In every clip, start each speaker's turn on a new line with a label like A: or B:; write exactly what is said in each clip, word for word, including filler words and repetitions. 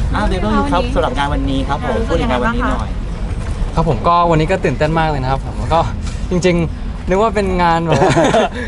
A: อ้าวเดี๋ยวต้องครับสำหรับงานวันนี้ครับผมพูดถึงงานวันนี้หน่อย
B: ครับผมก็วันนี้ก็ตื่นเต้นมากเลยนะครับผมก็จริงๆนึกว่าเป็นงานแบบว่าง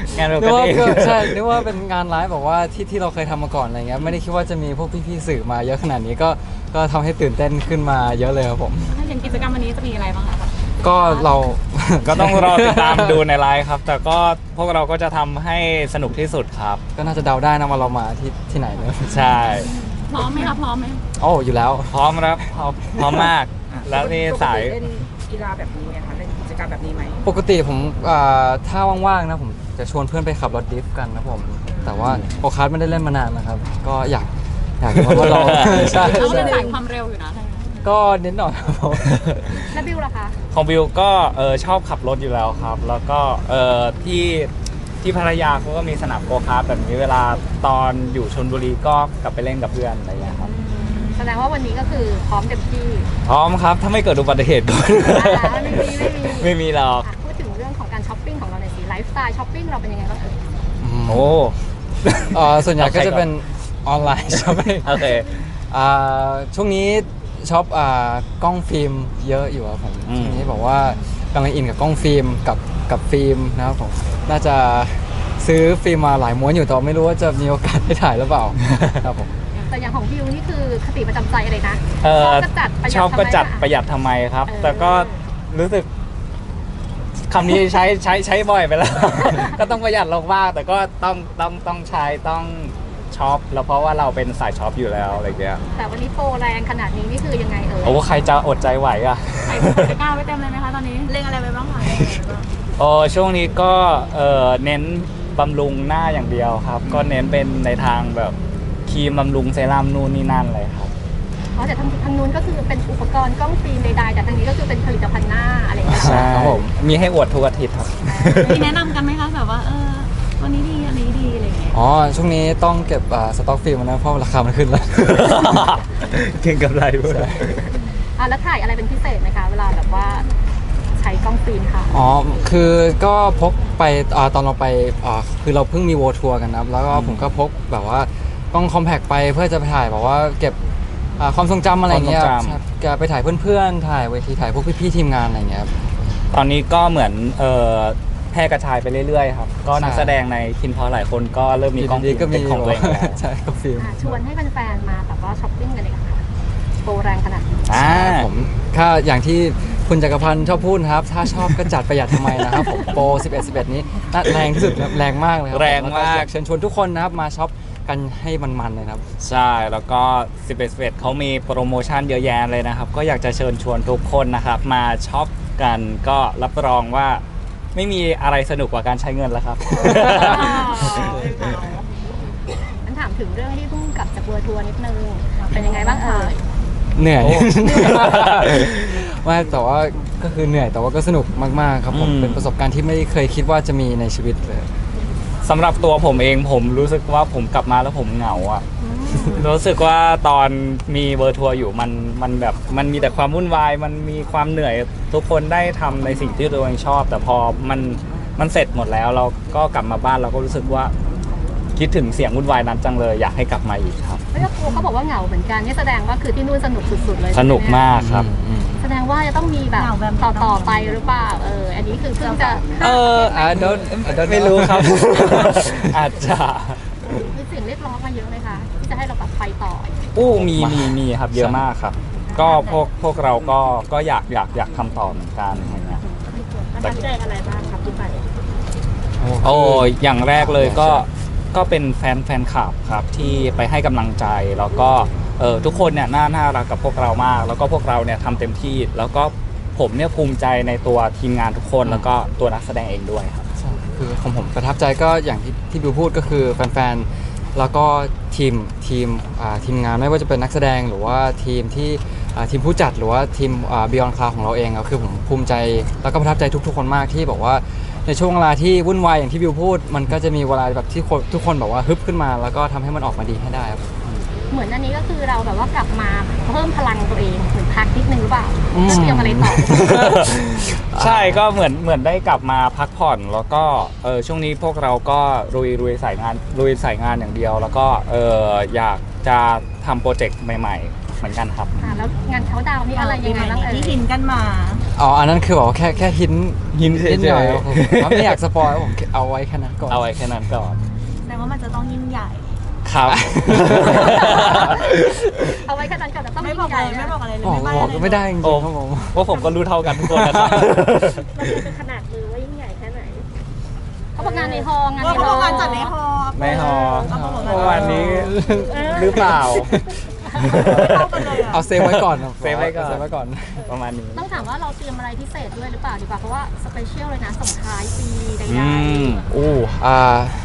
A: านป
B: นึ
A: ก
B: กว่า
A: ติ
B: ก็ใช่นึกว่าเป็นงานไลฟ์แบบว่าที่ที่เราเคยทำมาก่อนอะไรเงี้ยไม่ได้คิดว่าจะมีพวกพี่ๆสื่อมาเยอะขนาดนี้ก็ก็ทำให้ตื่นเต้นขึ้นมาเยอะเลยครับผม
C: ถ้าอย่างกิจกรรมวันนี้จะมีอะไรบ้างคะ
B: ก็เรา
D: ก็ต้องรอติดตามดูในไลฟ์ครับ แต่ก็พวกเราก็จะทำให้สนุกที่สุดครับ
B: ก็น่าจะเดาได้นะว่าเรามาที่ที่ไหนเนอะ
D: ใช่
C: พร้อมไหมคะพร้อมไหม
B: โอ้อยู่แล้ว
D: พร้อมครับพร้อมพร้อมมาก แล้วนี่สาย
E: เล่นกีฬาแบบนี้ไหมคะเล่นกิจกรรมแบบนี้ไหม
B: ปกติผมอ่าถ้าว่างๆนะผมจะชวนเพื่อนไปขับรถดริฟต์กันนะผมแต่ว่าโอคาร์ดไม่ได้เล่นมานานนะครับ ก็อยากอยากมาลอง ใช่
C: เรา
B: ใช่
C: เล่นสายความเร็วอยู่นะ
B: ก็นิดหน่อยครับผม
E: แล้วบิวล่ะคะ
D: ของบิวก็เออชอบขับรถอยู่แล้วครับ แล้วก็เออที่ที่พัทยาเขาก็มีสนามโกคาร์ทแบบนี้เวลาตอนอยู่ชลบุรีก็กลับไปเล่นกับเพื่อนอะไรอย่างเงี้ยครับ
E: แสดงว่าวันนี้ก็คือพร้อมเต็มที่
D: พร้อมครับถ้าไม่เกิดอุบัติเหตุก่อน
E: อ่าไม่มีไม่มี
D: ไม่มีหรอก
E: อ่ะพูดถึงเรื่องของการช้อปปิ้งของเราในอยสีไลฟ์สไตล์ช้อปปิ้งเราเป็นยังไงบ้างเอ่ย
D: โอ้
B: เอ่อส่วนใหญ่ก็จะเป็นออนไลน์ ช้อปปิ้ง
D: โอเค
B: อ่าช่วงนี้ช็อปอ่ากล้องฟิล์มเยอะอยู่ครับผม
D: อืม
B: ช่วงนี้บอกว่ากำลังอินกับกล้องฟิล์มกับกับฟิล์มนะครับผมน่าจะซื้อฟิล์มมาหลายม้วนอยู่แต่ว่าไม่รู้ว่าจะมีโอกาสได้ถ่ายหรือเปล่า ครับผม
E: แต่อย่างของบิวนี่คือคติประจำใจอะไรนะ
D: เอ
E: ช
D: อ
E: อบก็จัดประหยัด
D: ชอบก็จัด
E: ทำไม
D: ประหยัดทำไมครับ
E: เออ
D: แต่ก็รู้สึกคำนี้ใช้ใช้ใช้บ่อยไปแล้ว ก็ต้องประหยัดลงบ้างแต่ก็ต้องต้องต้องใช้ต้องช็อปแล้วเพราะว่าเราเป็นสายช็อปอยู่แล้วอะไรเงี้ย
E: แต่วันนี้โปรแรงขนาดนี้นี่คือยังไงเอ่ย
D: โอ้ใครจะอดใจไหวอ่ะ
C: ใส่ตะกร้าไว้เต็มเลยไหมคะตอนนี้เล็งอะไรไปบ้างคะ
D: โอ้ช่วงนี้ก็เออเน้นบำรุงหน้าอย่างเดียวครับ ก็เน้นเป็นในทางแบบครีมบำรุงเซรั่มนู่นนี่นั่นเลยครับ
E: อ๋อแต่ทางทางนู้นก็คือเป็นอุปกรณ์กล้องฟิล์มใดๆแต่ทางนี้ก็คือเป็นผลิตภัณฑ์หน้าอะไรอย่างเงี้ย
D: ใช่
B: ครับผม
D: มีให้อวดทุกอาทิตย์ครับ
C: มีแนะนำกันไหมคะแบบว่าเออวันนี้ดีอันนี้ดีอะไรอย่างเงี้ย
B: อ๋อช่วงนี้ต้องเก็บอ่าสต็อกฟิล์มนะเพราะราคามันขึ้นแล้ว
D: เก่งกับไรด้วย
E: อ่ะแล้วถ่ายอะไรเป็นพิเศษไหมคะเวลาแบบว่าใช้กล้องฟิล์มค่ะ
B: อ๋อ คือก็พกไปอาตอนเราไปอ่าคือเราเพิ่งมีโวทัวร์กันนะครับ แล้วก็ผมก็พกแบบว่ากล้องคอมแพคไปเพื่อจะไปถ่ายแบบว่าเก็บอ่าความทรงจำอะไรเงี้ย
D: ความทรงจำ
B: ใช่แกไปถ่ายเพื่อนๆ ถ่ายเวทีถ่ายพวกพี่ๆทีมงานอะไรเงี้ยครับ
D: ตอนนี้ก็เหมือนเอ่อแพร่กระจายไปเรื่อยๆครับ ก็นัก
B: ใช่
D: แสดงในคินพอหลายคนก็เริ่มมีกล้อง
B: ดีๆก็มี
D: เป็นของตัวเองแล้ว
B: ใช่กล้องฟิล์ม
E: อ่ะชวนให้แฟนๆมาแบบว่าช้อปปิ้งกันเลยค่ะโปรแรงขนาดนี้
D: อ่า
B: ผมถ้าอย่างที่คุณจักรพันธ์ชอบพูดนะครับ ถ้าชอบก็จัดประหยัดทำไมนะครับผมโปรสิบเอ็ด สิบเอ็ดนี้น่าแรงที่สุดครับแรงมากเลยครั
D: แรงมาก
B: แล้วอยเชิญชวนทุกคนนะครับมาช็อปกันให้มันๆเลยนะครับ
D: ใช่ แล้วก็สิบเอ็ด สิบเอ็ดเขามีโปรโมชั่นเยอะแยะเลยนะครับ ก็อยากจะเชิญชวนทุกคนนะครับ มาช็อปกันก็รับรองว่าไม่มีอะไรสนุกกว่าการใช้เงินแล้วครับ
E: งั้นถามถึงเรื่องที่เพิ่งกลับจากเวอร์ทัวร์นิดนึงเป็นยังไงบ้างเอ่ย
B: เหนื่อย
D: โอ้
B: ไม่แต่ว่าก็คือเหนื่อยแต่ว่าก็สนุกมากๆครับผม
D: อืม
B: เป็นประสบการณ์ที่ไม่เคยคิดว่าจะมีในชีวิตเลย
D: สำหรับตัวผมเองผมรู้สึกว่าผมกลับมาแล้วผมเหงาอ่ะ รู้สึกว่าตอนมีเวอร์ทัวร์อยู่มันมันแบบมันมีแต่ความวุ่นวาย มันมีความเหนื่อยทุกคนได้ทำในสิ่งที่ตัวเองชอบ แต่พอมันมันเสร็จหมดแล้วเราก็กลับมาบ้านเราก็รู้สึกว่าคิดถึงเสียงวุ่นวายนั้นจังเลยอยากให้กลับมาอีกครับ
E: ไม่ก็ครูเขาบอกว่าเหงาเหมือนกันนี่แสดงว่าคือที่นู่นสนุกสุดๆเลย
D: สนุกมากครับ
B: อืม
E: แสดงว่าจะต้องมีแบบต่อต่อๆไปหรือเปล่าเอออันนี้คือเพิ่งจะ
D: เออ
B: I don't I don't
D: ไม่รู้ครับ อาจจะ
E: มีเสียงเรียกร้องมาเยอะเลยค่ะที่จะให้เราแบบไปต่อ
D: อู้มีมีมีครับเยอะมากครับ ก็พวกพวกเราก็ก็อยากอยากอยากทำต่อเหมือนกันอย่างเงี้ย
E: ประทับใจอะไรบ้างครับที่ไป
D: โอ้อย่างแรกเลยก็ก็เป็นแฟนแฟนคลับครับที่ไปให้กำลังใจแล้วก็เออทุกคนเนี่ยน่าน่ารักกับพวกเรามาก แล้วก็พวกเราเนี่ยทำเต็มที่ แล้วก็ผมเนี่ยภูมิใจในตัวทีมงานทุกคนแล้วก็ตัวนักแสดงเองด้วยครับ
B: ใช่คือของผมประทับใจก็อย่างที่ที่บิวพูดก็คือแฟนๆ แล้วก็ทีมทีมอ่าทีมงานไม่ว่าจะเป็นนักแสดงหรือว่าทีมที่อ่าทีมผู้จัดหรือว่าทีมอ่า Beyond Cloud ของเราเองก็คือผมภูมิใจแล้วก็ประทับใจทุกๆ คนมากที่บอกว่าในช่วงเวลาที่วุ่นวายอย่างที่บิวพูด มันก็จะมีเวลาแบบที่คนทุกคนแบบว่าฮึบขึ้นมา แล้วก็ทำให้มันออกมาดีให้ได้ครับ
E: เหมือนอันนี้ก็คือเราแบบว่ากลับมาเพิ่มพลังตัวเองเหมือนพักนิดนึงหรือเปล่า
B: อืม
E: เพื่อเตรียมอะไรต่อ
D: ใช่ก็เหมือนเหมือนได้กลับมาพักผ่อน แล้วก็เออช่วงนี้พวกเราก็ลุยลุยสายงานลุยสายงานอย่างเดียว แล้วก็เอออยากจะทำโปรเจกต์ใหม่ๆเหมือนกันครับ
E: อ่าแล้วงานเขาดาวน์นี่อะไรยังไงบ้างเอ่ย
C: ที่หินกันมา
B: อ๋ออันนั้นคือแบบว่าแค่แค่หิน
D: หินเฉยๆ
B: นิดหน่อยครับผมผมไม่อยากสปอยครับผมเอาไว้แค่นั้นก่อน
D: เอาไว้แค่นั้นก่อน
C: แสดงว่ามันจะต้องยิ่งใหญ่
D: ครับ
E: เอาไว้แค่นั้นก่อนแต่ต้อง
C: ไม่
E: ยิ่
C: บอก
E: งให
C: เล
E: ญ่
C: ยไม่
E: นะ
C: บอกอะไรเลย
B: บอก
C: ไม่
B: บอก
C: ใบ้
B: ไม่ได้จริง
D: โอ้
B: ๆครับผม
D: ว่าผมก็รู้เท่ากันทุกคนนะครับ
E: เราดูเป็นขนาดมือว่ายิ่งใหญ่แค่ไหนเขาบอกงานในฮอลล์งาน
C: เออ
E: ใน
C: เขา
E: ฮ
C: บ
E: อ
C: อก
E: ล
C: งาน
E: ล์
C: จัดในฮอ
D: ในฮอ
C: เอามาบอก
D: เมื่อวานนี้หรือเปล่า
C: ไม่เข้ากันเลยอะ
B: เอาเซฟไว้ก่อนครับ
D: เซฟไว้ก่อน
B: เซฟไว้ก่อน
D: ประมาณนี้
E: ต้องถามว่าเราเตรียมอะไรพิเศษด้วยหรือเปล่าดีกว่าเพราะว่าสเปเชียลเลยนะส่งท้ายปีใด
D: อืม
B: อู้อ่า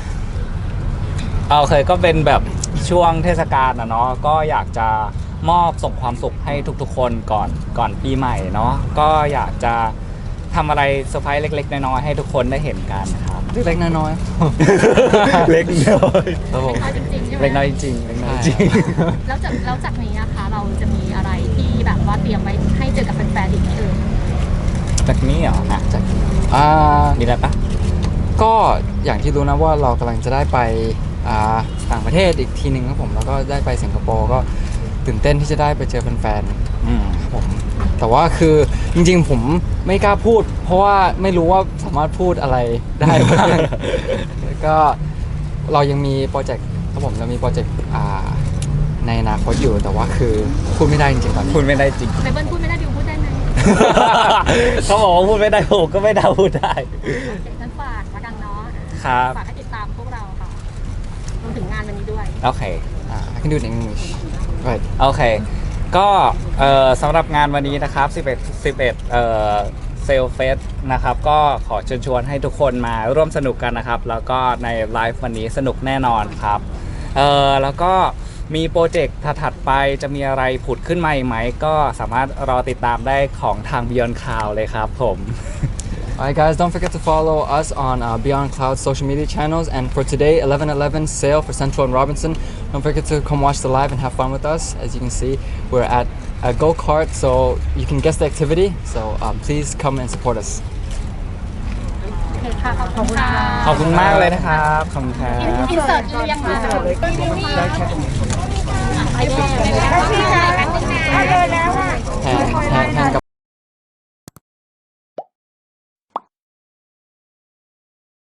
D: เอาเคยก็เป็นแบบช่วงเทศกาลนะเนาะก็อยากจะมอบส่งความสุขให้ทุกๆ คนก่อนก่อนปีใหม่เนาะก็อยากจะทำอะไรเซอร์ไพรส์เล็กๆน้อยๆให้ทุกคนได้เห็นกันครับ
B: เล็กๆน้อยๆ
D: เล็กน้อย
B: ครับผม
E: ๆน้อยจริงๆใช่ไหม
D: เล็กน้อยจริงๆเล็กน้อยจริง
E: แล้วจากแล้วจากนี้นะคะเราจะมีอะไรที่แบบว่าเตรียมไว้ให้เจอกับแฟนๆอีกไหมเอ่ย
D: แบบนี้เหรออ่ะ
B: จากอ่า
D: มีอะไรปะ
B: ก็อย่างที่รู้นะว่าเรากำลังจะได้ไปอ่าต่างประเทศอีกทีหนึ่งครับผมแล้วก็ได้ไปสิงคโปร์ก็ตื่นเต้นที่จะได้ไปเจอแฟน
D: อืม
B: ๆครับผมแต่ว่าคือจริงๆผมไม่กล้าพูด เพราะว่าไม่รู้ว่าสามารถพูดอะไรได้บ้าง แล้วก็เรายังมีโปรเจกต์ครับผมเรามีโปรเจกต์อ่าในอนาคตอยู่แต่ว่าคือพูดไม่ได้จริงๆตอนนี้
D: พูดไม่ได้จริง
E: เบเบิลพูดไม่ได้บิวพูดได้ไหม
D: เขาบอกว่าพูดไม่ได้ผมก็ไม่ได้พูดได้
E: โอเคงั้นฝากละกันเนาะ
D: ครับ
E: ฝากให้ติดตามพวกเราค่ะรวมถึงงานวันนี้ด้วย
D: โอเค
B: อ่า I can do it in English right
D: โอเค ก็เอ่อสำหรับงานวันนี้นะครับ สิบเอ็ด สิบเอ็ดเอ่อเซลเฟสนะครับ ก็ขอเชิญชวนให้ทุกคนมาร่วมสนุกกันนะครับ แล้วก็ในไลฟ์วันนี้สนุกแน่นอนครับเอ่อแล้วก็มีโปรเจกต์ถัดๆไปจะมีอะไรผุดขึ้นมาอีกไหม ก็สามารถรอติดตามได้ของทาง Beyond Cloud เลยครับผม
B: Alright guys, don't forget to follow us on uh, Beyond Cloud social media channels. And for today, eleven eleven sale for Central and Robinson. Don't forget to come watch the live and have fun with us. As you can see, we're at a go-kart, so you can guess the activity. So um, please come and support us.
E: โอเคค่ะ ขอบคุณค่ะ
D: ขอบคุณมากเลยนะครับ ขอบคุณครับ
E: อินเสิร์ตเรียงมาได้แค่ตรงนี้ได้แค่ตรงนี้ได้แค่ตรงนี้